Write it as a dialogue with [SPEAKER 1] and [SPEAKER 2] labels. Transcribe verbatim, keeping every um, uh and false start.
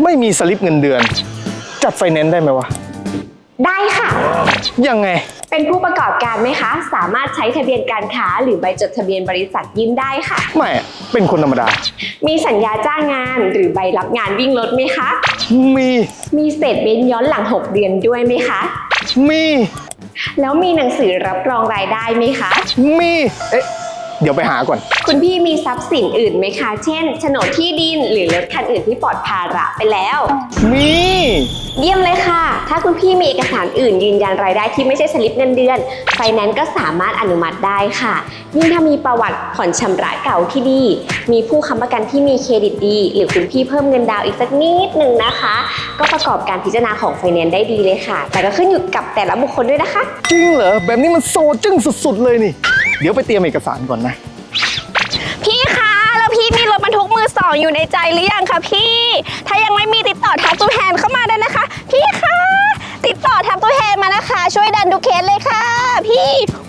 [SPEAKER 1] ไม่มีสลิปเงินเดือน จัดไฟแนนซ์ได้ไหมวะ
[SPEAKER 2] ได้ค่ะ
[SPEAKER 1] ยังไง
[SPEAKER 2] เป็นผู้ประกอบการไหมคะ สามารถใช้ทะเบียนการค้าหรือใบจดทะเบียนบริษัทยื่นได้ค่ะ
[SPEAKER 1] ไม่อะเป็นคนธรรมดา
[SPEAKER 2] มีสัญญาจ้างงานหรือใบรับงานวิ่งรถไหมคะ
[SPEAKER 1] มี
[SPEAKER 2] มีสเตทเมนต์ย้อนหลังหกเดือนด้วยไหมคะ
[SPEAKER 1] มี
[SPEAKER 2] แล้วมีหนังสือรับรองรายได้ไหมคะ
[SPEAKER 1] มี เอ๊ะ เดี๋ยวไปหาก่อน
[SPEAKER 2] คุณพี่มีทรัพย์สินอื่นไหมคะ เช่นโฉนดที่ดินหรือรถคันอื่นที่ปลอดภาระไปแล้ว
[SPEAKER 1] มี
[SPEAKER 2] เยี่ยมเลยค่ะ ถ้าคุณพี่มีเอกสารอื่นยืนยันรายได้ที่ไม่ใช่สลิปเงินเดือน ไฟแนนซ์ก็สามารถอนุมัติได้ค่ะ ยิ่งถ้ามีประวัติผ่อนชำระเก่าที่ดี มีผู้ค้ำประกันที่มีเครดิตดี หรือคุณพี่เพิ่มเงินดาวน์อีกสักนิดนึงนะคะ ก็ประกอบการพิจารณาของไฟแนนซ์ได้ดีเลยค่ะ แต่ก็ขึ้นอยู่กับแต่ละบุคคลด้วยนะคะ
[SPEAKER 1] จริงเหรอ แบบนี้มันโซจึ้งสุดๆเลยนี่ เดี๋ยวไปเตรียมเอกสารก่อนนะ
[SPEAKER 3] พี่คะแล้วพี่มีรถบรรทุกมือสองอยู่ในใจหรือยังคะพี่ ถ้ายังไม่มีติดต่อทักตู้แทนเข้ามาได้นะคะ พี่คะติดต่อทักตู้แทนมานะคะ ช่วยดันดูเคสเลยค่ะ พี่